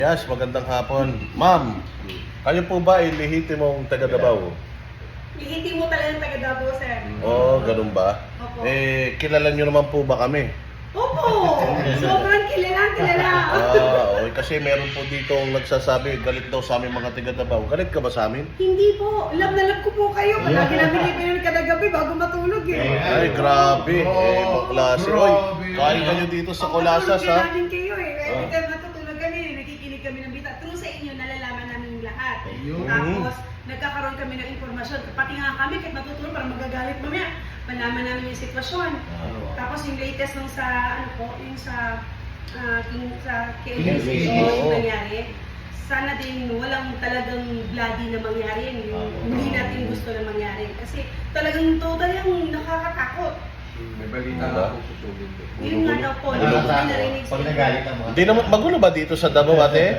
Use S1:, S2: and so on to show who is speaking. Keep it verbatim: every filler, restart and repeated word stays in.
S1: Yes, magandang hapon. Ma'am, kayo po ba ay lehitimong taga Davao?
S2: Ihiti mo talagang taga Davao, sir.
S1: Oo, oh, ganun ba?
S2: Opo.
S1: Eh, kilala nyo naman po ba kami?
S2: Opo! Sobrang kilala, kilala.
S1: Ah, okay. Kasi meron po dito ang nagsasabi, galit daw sa aming mga taga Davao. Galit ka ba sa amin?
S2: Hindi po. Love na love ko po kayo. Palagi namin ipinun kada gabi bago matulog eh.
S1: Ay, grabe. Eh, maklase. Oy, kain kayo dito sa Colasas,
S2: Matulog
S1: ha?
S2: namin kayo eh. Every
S1: Ah.
S2: time matutulog kami, nakikinig kami ng bita. True sa inyo, nalalaman namin yung lahat.
S3: Ayun.
S2: Tapos, nagkakaroon kami ng informasyon. Pati nga kami, kahit matutulog, parang magagalit mamaya. Malaman namin yung sitwasyon. Tapos yung latest nung sa, ano po, yung sa, ah, yung sa K L S
S3: K L S,
S2: yung
S1: oo.
S2: nangyari. Sana din walang talagang bloody na mangyari. Yung hindi natin gusto na mangyari. Kasi talagang total yung nakakatakot.
S3: May balita
S1: Diba?
S3: na ako susugin din.
S2: Yun nga daw po,
S1: Ano
S2: hindi
S1: ba?
S2: ko narinig sa
S4: Pag nagalit ang mga
S1: Hindi naman, magulo ba dito sa Davao, ate?